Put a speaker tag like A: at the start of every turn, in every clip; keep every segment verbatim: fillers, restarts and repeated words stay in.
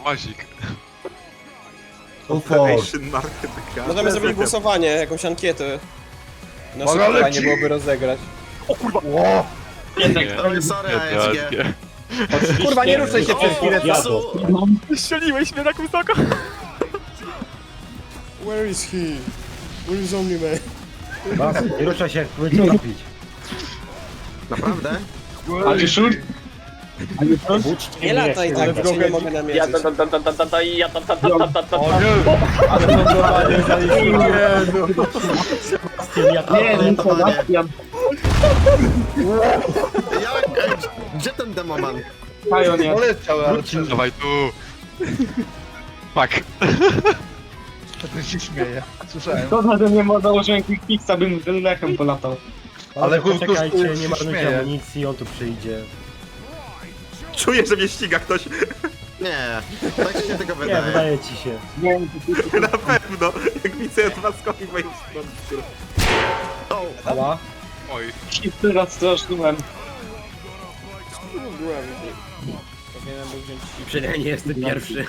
A: Łazik.
B: Operation Market.
C: Możemy zrobić głosowanie, jakąś ankietę. Na
D: Mogę
C: szybko.
D: lecieć.
E: Fajnie byłoby rozegrać.
D: Ło!
B: Oj, sorry, A S G.
E: Kurwa, nie ruszaj się przez chwilę czasu.
F: Strzeliłeś mnie tak wysoko.
C: Where is he? Where is only man?
G: Bas, nie ruszaj się, będzie robić.
B: Naprawdę?
D: Ale szur?
C: Nie lataj tak, bo cię nie mogę
F: Ja
C: namierzyć.
F: ta ta ta ta ta ta ta ja ta ta ta ta ta ta
D: O
F: ta.
D: nie!
E: Ale lądowanie zaliczyłem.
G: Ja tam
B: Nie,
G: nie
B: panie. Jak? Ej, gdzie ten demoman?
D: Poleciał, ale
A: Dawaj tu. Fuck.
D: ten się śmieje. Słyszałem.
H: Szkoda, że nie ma założenia Quick Fixa, bym lechem polatał.
D: Ale chłop tu
G: Czekajcie,
D: się
G: nie marnujcie
D: śmieje.
G: amunicji, on tu przyjdzie.
B: Czuję, że mnie ściga ktoś. Nie, tak się tylko
G: Nie,
B: wydaje.
G: wydaje ci się.
H: Nie,
B: Na pewno. Jak widzę dwa skoki w moim stronę. O,
E: Ała.
A: Oj.
H: się teraz straszyłem.
E: Powinienem był wziąć ci.
G: Przynajmniej nie jestem pierwszy.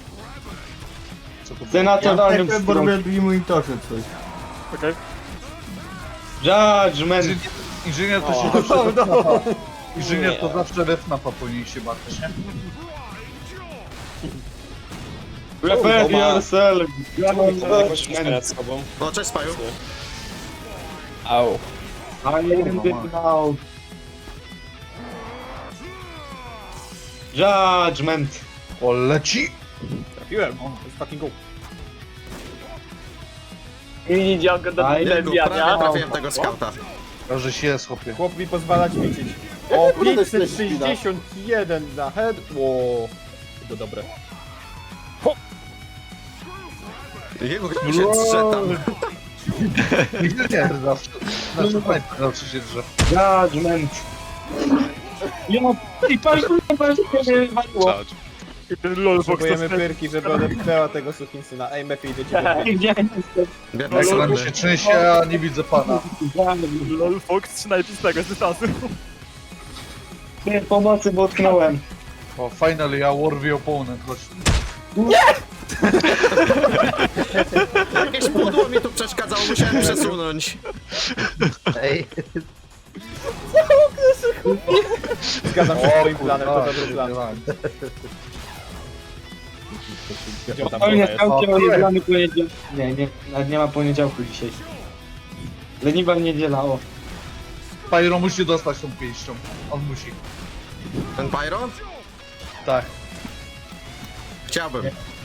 H: W senatoralnym
E: bo
H: stronę.
E: robię drugi monitorze coś.
F: Okej.
H: Judgment.
D: Inżynier to się zawsze refnapa. Inżynier to zawsze refnapa powinien się bawić, nie?
H: Prepare yourself.
C: Jakoś przed sobą.
B: no cześć Spaju.
E: Au.
H: I am the now. Judgment.
D: O, leci!
E: Trafiłem. Let's fucking go.
F: Mini działka do
H: Aj,
B: Jego, prawie
F: zabijania.
B: trafiłem tego skauta.
D: To, że się jest, chłopie.
E: Chłop mi pozwala ćwiczyć. O, pięćset sześćdziesiąt jeden na head. Ło. To dobre.
B: Jego ktoś się drze tam.
D: Inżynier zawsze. Znaczy, fajnie, zawsze się drze.
H: Judgment. Ja, i patrz, patrz, patrz, mnie waliło.
A: Charge.
F: I ten lolbox to
E: Potrzebujemy pyrki, żeby odepchnęła tego sukinsyna. Ej, Mefi, idę cię
H: Gdzie jestem?
B: Biedny
D: Jak nam
B: sądy.
D: się trzęsie, a nie widzę pana.
F: lolbox trzynajpistego z dystansu.
H: Nie, pomocy, bo utknąłem.
D: O, finally, a worthy opponent, chodź.
B: Jakieś pudło mi tu przeszkadzało, musiałem przesunąć.
D: Ej.
E: Zgadzam się z twoim planem, to dobry plan. Gdzie on tam
H: O, nie,
E: jest?
H: skaucie o niedzielany poniedziałek. Nie, nie, nawet nie ma poniedziałku dzisiaj. Leniwa niedziela, o.
D: Pyro musi dostać tą pięścią. On musi.
B: Ten Pyro?
D: Tak.
B: Chciałbym.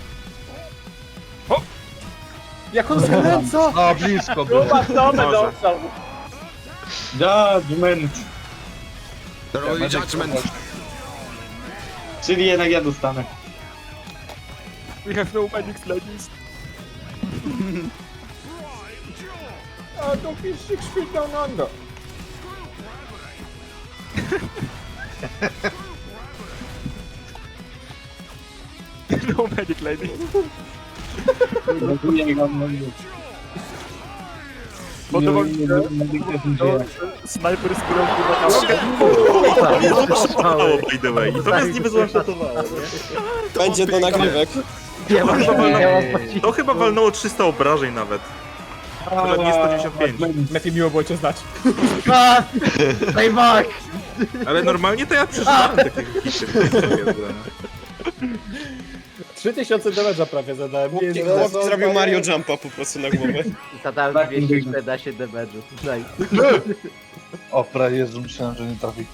E: Jak on skręca!
D: No, blisko było.
F: Chyba co będę
B: Może.
F: ostał.
H: Judgment.
B: The Royal Judgment.
H: Czyli jednak ja dostanę.
F: We have no medics ladies.
E: A to fish six feet down under.
F: No medic lady. Podobał mi się snajper z którą
B: Mało, by the way. I to nas niby złamszotowało,
C: Będzie do nagrywek.
B: To chyba walnęło trzysta obrażeń nawet. Nawet nie sto dziewięćdziesiąt pięć.
E: Mefi, miło było cię znać.
B: Ale normalnie to ja przeżywałem takie hity.
E: trzy tysiące damage'a prawie zadałem. Nie,
C: Chłop zrobił Mario Jumpa po prostu na głowę.
I: Zadałem dwieście czternaście damage'u. Daj.
D: O, prawie Jezu, myślałem, że nie trafi.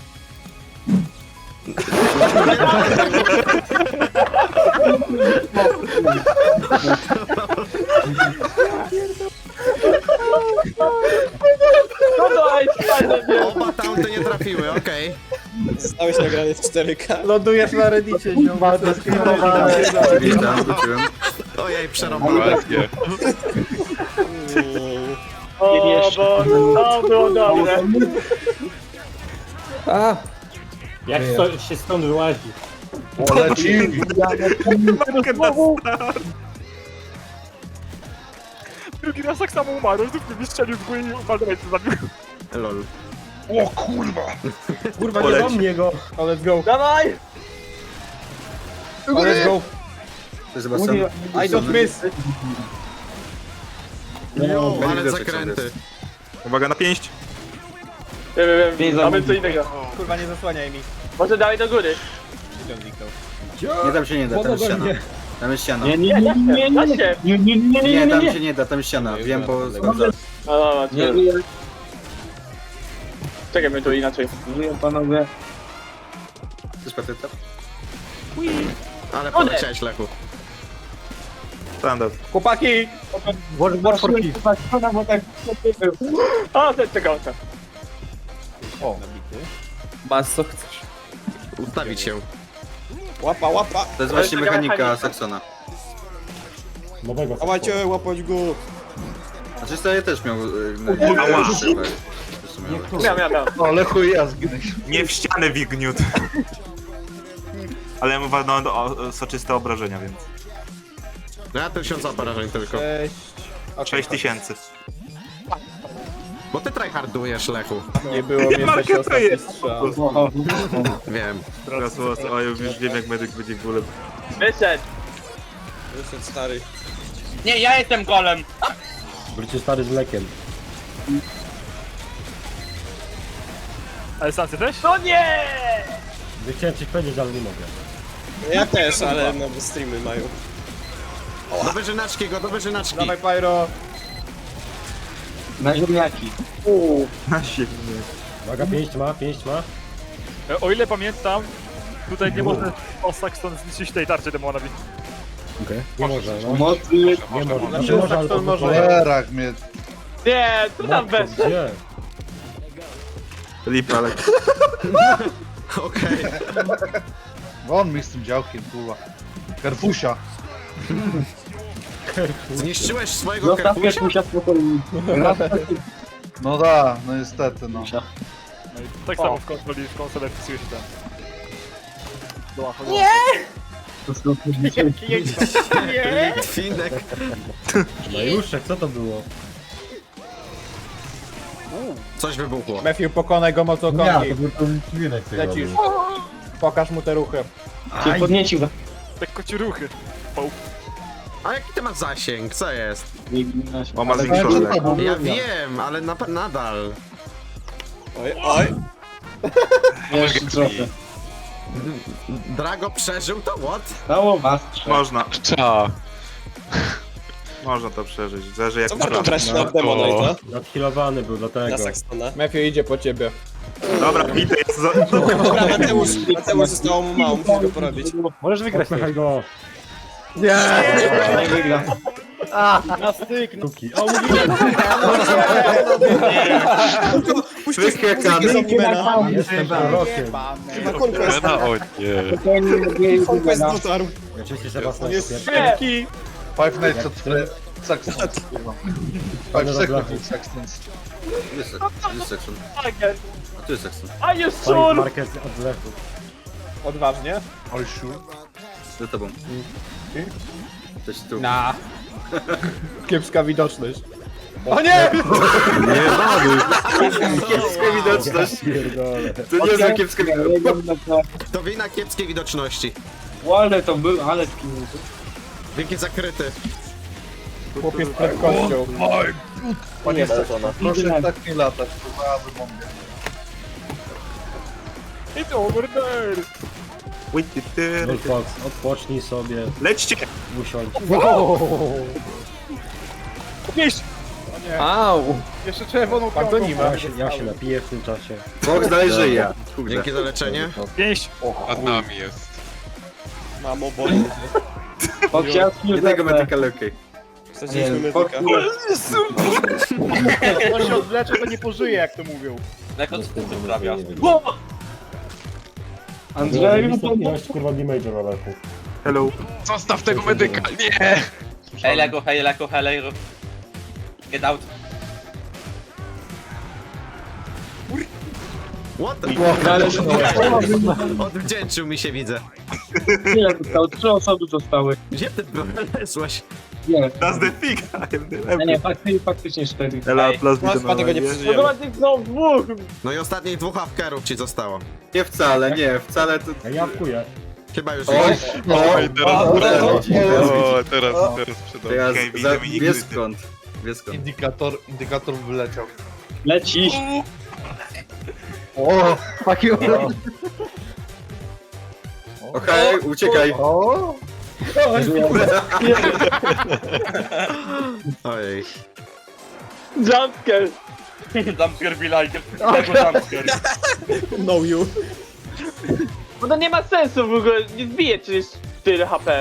F: No daj, fajnie.
B: Oba tamte nie trafiły, okej.
C: Zostałeś nagrany w cztery K.
E: Lądujesz na reddicie, ziom.
B: Witam, wróciłem. Ojej, przerobane.
A: Ładnie.
F: O, bo to było dobre.
E: A,
G: Jak sto, się stąd wyłazi?
D: O, leci!
F: Drugi raz tak samo umarł, znów mnie strzelił w górę i Baldurite zabił.
B: Lol.
D: O kurwa!
G: Kurwa, nie
B: Poleci.
G: do mnie go!
E: o, let's go.
F: Dawaj!
E: O, let's go.
A: To jest Sebastian.
E: I don't miss!
A: No,
B: Ale zakręty. Uwaga na pięść.
H: Wiem, wiem, wiem. Mamy co innego.
E: Kurwa, nie zasłaniaj mi.
H: Może dalej do góry.
A: Nie, tam się nie da, tam jest ściana. Tam jest ściana.
H: Nie, nie, nie, nie, nie, nie, nie, nie, nie,
A: Nie,
H: nie,
A: tam
H: nie.
A: się nie da, tam jest ściana. Wiem, bo sprawdzałem.
H: No, no, no, nie, nie. Czekaj, my tu inaczej. Żyję, panowie.
A: Chcesz patyta?
B: Ale poleciałeś, Lechu. Standard.
E: Chłopaki!
H: War for Peace. O, ten czekał.
E: O, nabity.
C: Bas, co chcesz?
B: Ustawić się.
C: Łapa, łapa!
A: To jest właśnie
H: To jest taka
A: mechanika
H: mechanika.
A: Saxona.
G: Nowego
C: Dawajcie, łapać go!
A: Znaczy to ja też miał... y, na-
B: Ała.
A: Zresztą miałem.
H: Miał, miał, miał.
D: O, Lechu i ja zginę.
B: Nie w ścianę wigniut. Ale ja mówię no, o, o soczyste obrażenia, więc.
J: No ja tysiąc obrażeń tylko.
E: Cześć.
B: sześć tysięcy.
J: Bo ty tryhardujesz, Lechu.
E: Nie było mnie
B: marketuję.
E: się ostatni strzał.
J: Wiem.
B: Teraz was, o, już już wiem jak medyk będzie gulem.
H: Wyszedł.
C: Wyszedł stary.
H: Nie, ja jestem golem.
G: Wrócił stary z mlekiem.
F: Ale stancję też?
H: No nie!
G: Nie chciałem coś powiedzieć, ale nie mogę.
C: Ja też, ale no bo streamy mają.
J: Do wyżynaczki go, do wyżynaczki.
E: Dawaj, Pyro.
H: Na ziemniaki.
B: Na siebie.
G: Uwaga, pięść ma, pięść ma.
F: E, O ile pamiętam, tutaj nie może Saxon zniszczyć tej tarczy demonowi.
G: Nie może, no.
H: Mocy.
G: Nie może.
E: Znaczy,
G: Znaczy może, ale
E: Saxon może.
D: Cholerak mnie.
H: Nie, tu tam bez.
G: Gdzie?
B: Lipa, ale.
J: Okej.
D: Won mi z tym działkiem, kurwa. Kerfusia.
J: Zniszczyłeś swojego
H: Zostaw
J: kerfusia?
H: Kerfusia spokojnie.
D: No da, no niestety, no.
F: No i tak samo w konsoli, w konsolę wpisuje się tam.
H: Nie!
J: Twinek.
G: No Juszek, co to było?
J: Coś wybuchło.
E: Matthew, pokonaj go mocą kongi.
G: był ten twinek
E: Lecisz. Pokaż mu te ruchy.
H: Cię podniecił.
F: Tak kociuruchy.
J: A jaki ty masz zasięg? Co jest?
B: O, ma zwiększony lek.
J: Ja wiem, ale na, nadal.
C: Oj, oj!
H: Jeszcze trochę.
J: Drago przeżył to what?
H: Dało was trzech.
B: Można. Można to przeżyć. Zależy jak
C: Co warto
B: to
C: brać na Demonite,
G: Nadhealowany był, dlatego.
C: na Saxona?
E: Matthew idzie po ciebie.
B: Dobra, bity jest za...
C: Dobra, Mateusz, Mateusz zostało mu mało, musisz go porobić.
G: Możesz wygrać, Mechaj go.
H: Nie wygra.
E: Na styk!
G: Tuki. O, mówiłem!
C: Puść muzykę z Omnimena.
G: Jestem prorokiem.
C: Chyba Conquest. Conquest dotarł.
G: Oczywiście Sebastian
C: Jest
G: jest
E: Szybki!
D: Five Nights at Fre- Saxon, kurwa. Five Seconds at Saxons.
A: Jest jest Saxon. A tu jest Saxon.
H: A jest
G: Fight
H: sur!
G: Marquez od lechu.
E: Odważnie.
D: Oj, sure.
A: Za tobą. Coś tu.
E: Na. Kiepska widoczność. O nie!
A: Kiepska widoczność.
G: Pierdolę.
A: To nie jest kiepska widoczność.
J: To wina kiepskiej widoczności.
H: Ale to był, ale tknięty.
J: Wielki zakryty.
E: Chłopiec przed kością.
H: Nie,
D: Proszę tak nie latać, kurwa, aby bombie.
F: It's over there!
B: Witty, ty.
G: Bull Fox, odpocznij sobie,
B: Lećcie!
G: usiądź.
F: Pięść!
E: Au!
F: Jeszcze czerwoną
E: Tak to nie ma.
G: Ja się, ja się napiję w tym czasie.
A: Box dalej żyje. Kurde.
J: Dzięki za leczenie.
F: Pięść!
C: Mamo, boli.
H: Podciaski
A: Nie tego medyka lepiej.
C: Straciliśmy medyka.
E: On się odwlecze, to nie pożyje, jak to mówią.
H: Andrzeju, to
G: Ilość kurwa damage'a na lechu.
B: Hello.
F: Zostaw tego medyka! Nie!
H: Hej Lego, hej Lego, hej Lego. Get out.
J: What the Odwdzięczył mi się, widzę.
H: Ile zostało? Trzy osoby zostały.
J: Gdzie ty wlezłeś?
H: Nie,
B: That's the thing! I am the
H: nie, nie, faktycznie, faktycznie cztery.
B: Ela, plus
C: No, chyba tego nie przeżyjemy.
H: No dwóch!
J: No i ostatnich dwóch hawkerów ci zostało.
A: Nie wcale, nie, wcale to...
G: Ja jawkuję.
J: Chyba już
A: O,
J: jest.
A: o,
B: I teraz,
A: o,
B: teraz,
A: o,
B: o, teraz, teraz przydał.
A: teraz
B: Okej,
A: za,
B: widzę, mi
A: wie
B: gry.
A: skąd. Wie skąd.
D: Indikator, indikator wyleciał.
H: Leci.
A: O, fuck you. Okej, uciekaj.
D: O!
J: Ojej.
H: Jumpscare.
C: Jumpscare be like. Tego jumpscare.
E: No you.
H: Bo to nie ma sensu w ogóle, nie zbije przecież tyle H P.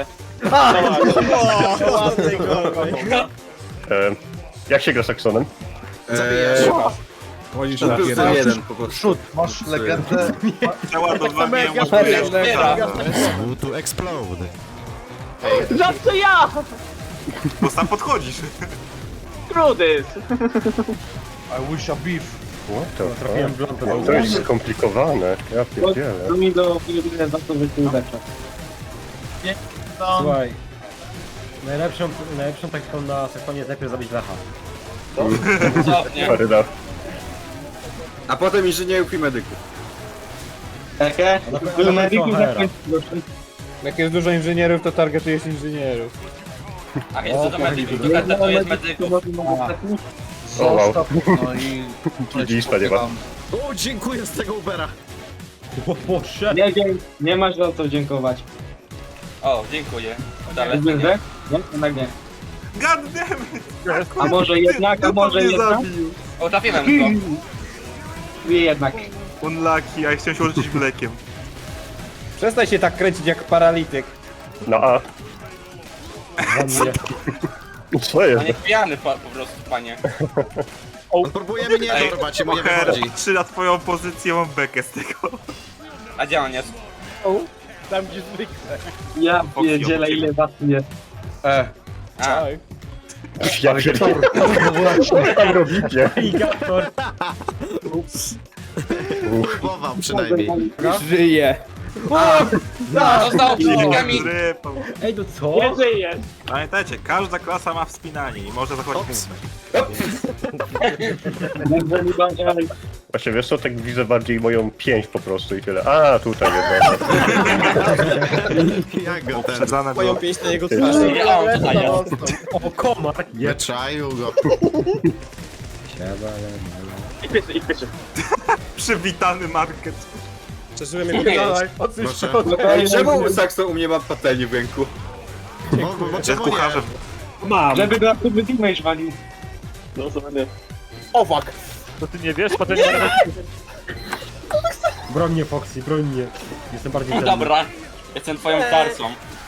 G: E, jak się gra Saxonem?
J: Zabijesz.
A: Eee, to plus jeden po prostu.
D: Przód, masz legendę.
B: Załadowanie
E: ja
B: umożliwia
E: pierdolę.
J: To explode.
H: Zawsze ja!
B: Bo sam podchodzisz.
H: Trudys!
D: I wish a beef.
G: Trafiłem w lampę. To jest skomplikowane. Ja pierdzielę.
H: To mi do chwilę za to, że tu ulepsza.
G: Słuchaj. Najlepszą, najlepszą taktyką na Saxonie jest najpierw zabić Lecha. Paryda.
A: A potem inżynierów i medyków.
H: Ehe, był medyków na końcu.
E: Jak jest dużo inżynierów, to targetujesz inżynierów.
C: A jest to do medyków, to jest medyków.
D: Zostaw, no i...
G: Lista nie ma.
J: O, dziękuję z tego Ubera.
H: Nie wiem, nie masz za co dziękować.
C: O, dziękuję. Dalej.
H: Jest wyzwę? Nie? Jednak nie.
B: God damn it!
H: A może jednak, a może
B: mnie
H: jednak?
B: zabił.
C: O, trafiłem go.
H: Nie jednak.
B: Unlucky, a ja chciałem się uleczyć mlekiem.
E: Przestań się tak kręcić jak paralityk.
G: Na A. Co
C: A
G: jest?
C: nie pijany po, po prostu, panie.
J: On próbuje mnie
B: Ej,
J: dorwać i mu nie
B: Oher,
J: wychodzi.
B: trzy na twoją pozycję, mam bekę z tego.
C: A gdzie on jest?
E: Tam gdzie zwykle.
H: Ja pierdzielę ile was jest.
D: E,
C: A,
G: Ja pierdolę. Co tam robicie?
J: Próbował przynajmniej.
E: Żyje.
C: został przeciwnikami.
B: Zrypał.
G: Ej, to co?
H: Nie żyjesz.
B: Pamiętajcie, każda klasa ma wspinanie i może zachodzić
J: Ops.
B: punkt.
G: Właśnie wiesz co, tak widzę bardziej moją pięć po prostu i tyle. A, tutaj jedna.
J: Jak go ten?
B: Poprzedzane
C: Moją
B: było.
C: pięść na jego twarzy. Nie, a on tutaj jest.
G: O, komar!
J: Wyczaił go.
H: I pieszy, i pieszy.
B: Przywitany market.
C: Przeżyłem jego pięść.
J: Proszę.
A: Ej, czemu Saxon u mnie ma patelnię w ręku?
J: Bo, bo, bo
B: Jest
J: czemu
B: kucharzem.
J: nie?
H: Żeby go tu wydimać walił. No co będę.
E: O fuck.
F: To ty nie wiesz, potem...
G: Broń mnie, Foxy, broń mnie. Jestem bardziej cenny.
C: Dobra, jestem twoją tarcą.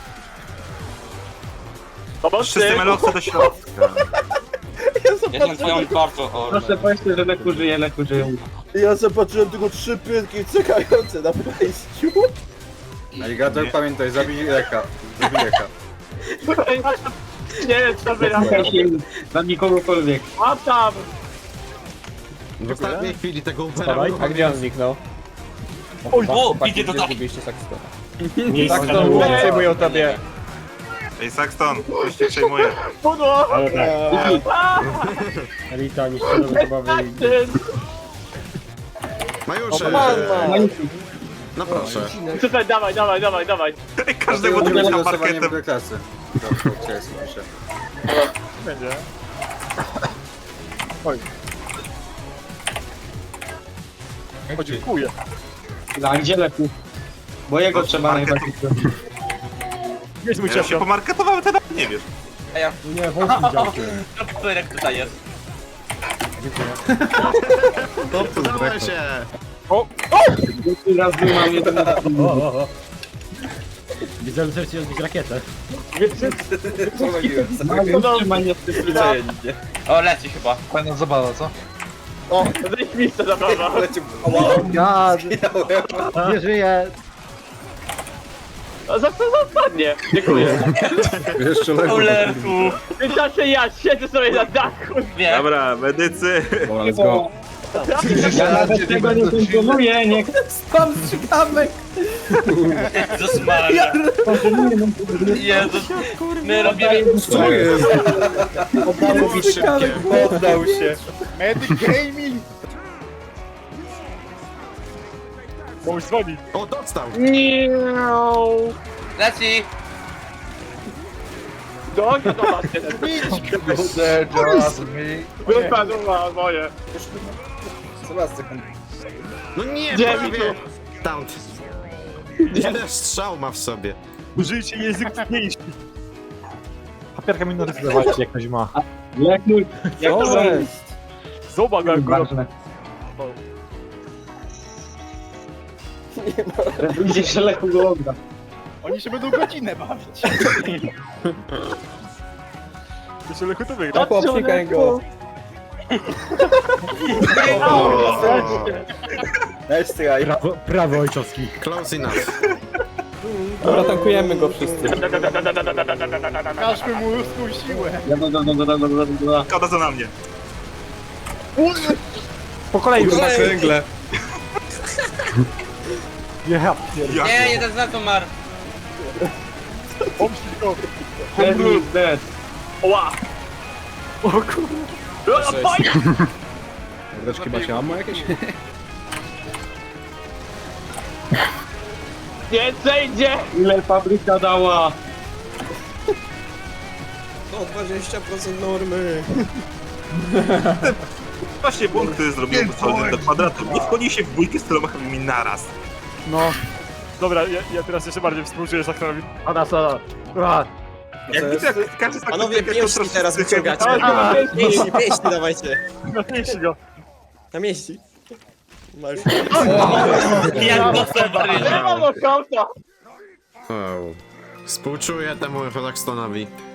B: Wszyscy melowcy do środka.
C: Jestem twoją tarczą, o.
H: Proszę powiedzcie, że Leku żyje, Leku żyje.
E: Ja zobaczyłem tylko trzy pytki czekające na wejściu.
A: Aligator, pamiętaj, zabij Leka. Zabij Leka.
H: Nie, co wy robicie? Dla nikogokolwiek. A tam!
J: W ostatniej chwili tego Ubera.
G: Dawaj.
E: A gdzie on zniknął?
C: Oj, o, idzie to tak.
E: Zgubiliście Saxtona.
G: Miejsce
E: Tak
G: na
E: to
G: górę.
E: przejmują tobie.
B: Ej, Saxton, ktoś cię przejmuje.
G: Ale tak. Elita, niszczone zabawy i...
J: Majusze. No proszę.
H: Super, dawaj, dawaj, dawaj, dawaj.
B: Ej, każdego
A: Dlatego
B: dnia
A: nie losowanie
B: marketem.
A: w klasy. Dobrze, cześć, piszę.
F: Będzie. O, dziękuję.
H: A gdzie Leku? Bo jego trzeba
B: marketu.
H: najbardziej.
F: Jest mój
B: Ja się
F: ciasto.
B: pomarketowałem, ty nawet nie wiesz.
G: Nie, Foxy działkiem.
C: Którek tutaj jest?
J: Udało się.
H: Raz był mam jeden.
G: O, o, o. Widzę, że chcecie rozbić rakietę.
A: Pomyliłem.
H: Trzymanie w tym
C: O, leci chyba.
D: fajna zabawa, co?
H: O, zajmista zabawa.
A: Leci...
G: Gad!
A: Nie żyje.
H: A za co zapadnie? Dziękuję.
A: Jeszcze Leku.
C: Ulerku.
H: W tym czasie ja siedzę sobie na dachu.
C: Nie.
B: Dobra, medycy.
A: Let's go.
H: Ja nawet tego nie kontroluję, nie
E: Spam strzykamek.
C: Jezus Maria. Jezus. My robimy...
A: Co jest?
J: Szybkie.
A: Poddał się.
E: Medic Gaming.
F: Komuś dzwoni.
J: O, dostał!
C: Leci!
F: No, nie zobaczcie.
D: There just me.
F: Wypadła moje.
A: Sebastian.
J: No nie,
F: Gdzie
J: prawie! Taunt. Ile strzał ma w sobie?
F: Użyjcie język mniejszy.
E: Papierka mi narysować jak ktoś ma.
H: Jak mój... Jak
E: Co
H: to
E: jest?
F: Zobacz, jak go
H: Ważne. Idzie się lechu go odda.
E: Oni się będą godzinę bawić.
F: Jeszcze lechu to wygra.
E: Popsikaj go.
A: Nice try.
E: Prawo, prawo ojczowski.
J: Close enough.
C: Dobra, tankujemy go wszyscy.
E: Każmy mu ludzką siłę.
H: Da, da, da, da, da, da, da, da.
B: Szkoda za na mnie.
E: Po kolei już tak.
C: Węgle.
E: Ja.
C: Nie, jeden za to mar.
F: Pomścić go.
H: Dead is dead.
F: Oła. O kurde.
A: Mordeczki macie ammo jakieś?
H: Więcej idzie! Ile fabryka dała?
C: O, dwadzieścia procent normy.
B: Właśnie błąd, który zrobiłem postawiony do kwadratu. Nie wchodzi się w bójkę z tyloma chybiami naraz.
F: No. Dobra, ja, ja teraz jeszcze bardziej współczuję Saktorowi.
I: Ona solo. Ua.
B: Jak widzę, jak każdy z
C: Panowie,
B: taktykę, to
C: pięści
B: troszkę
C: teraz wyciągacie.
F: A,
C: Pięści, pięści dawajcie.
F: Napięści go.
C: Na mieści. Masz.
F: Jak do Seba. Nie ma nokauta.
J: Wow. Współczuję temu Rockstone'owi.